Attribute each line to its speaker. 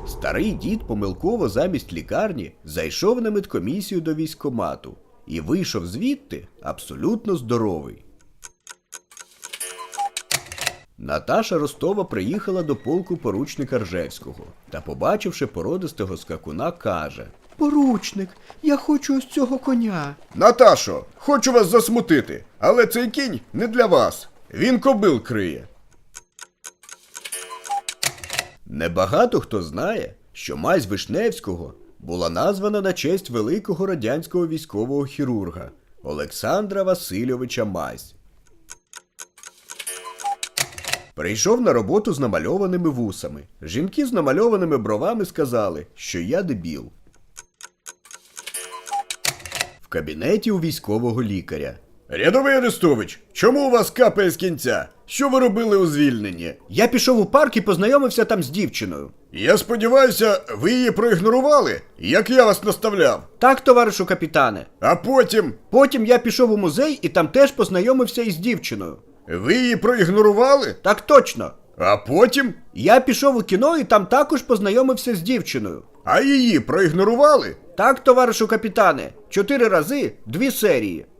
Speaker 1: Старий дід помилково замість лікарні зайшов на медкомісію до військкомату і вийшов звідти абсолютно здоровий. Наташа Ростова приїхала до полку поручника Ржевського та, побачивши породистого скакуна, каже:
Speaker 2: «Поручник, я хочу ось цього коня».
Speaker 1: «Наташо, хочу вас засмутити, але цей кінь не для вас. Він кобил криє». Небагато хто знає, що мазь Вишневського була названа на честь великого радянського військового хірурга Олександра Васильовича Мазь. Прийшов на роботу з намальованими вусами. Жінки з намальованими бровами сказали, що я дебіл. В кабінеті у військового лікаря: «Рядовий Арестович, чому у вас капає з кінця? Що ви робили у звільненні?»
Speaker 2: Я пішов у парк і познайомився там з дівчиною.
Speaker 1: «Я сподіваюся, ви її проігнорували, як я вас наставляв?»
Speaker 2: Так, товаришу капітане.
Speaker 1: «А потім?»
Speaker 2: Потім я пішов у музей і там теж познайомився із дівчиною.
Speaker 1: «Ви її проігнорували?»
Speaker 2: Так точно.
Speaker 1: «А потім?»
Speaker 2: Я пішов у кіно і там також познайомився з дівчиною.
Speaker 1: «А її проігнорували?»
Speaker 2: Так, товаришу капітане, 4 рази, 2 серії.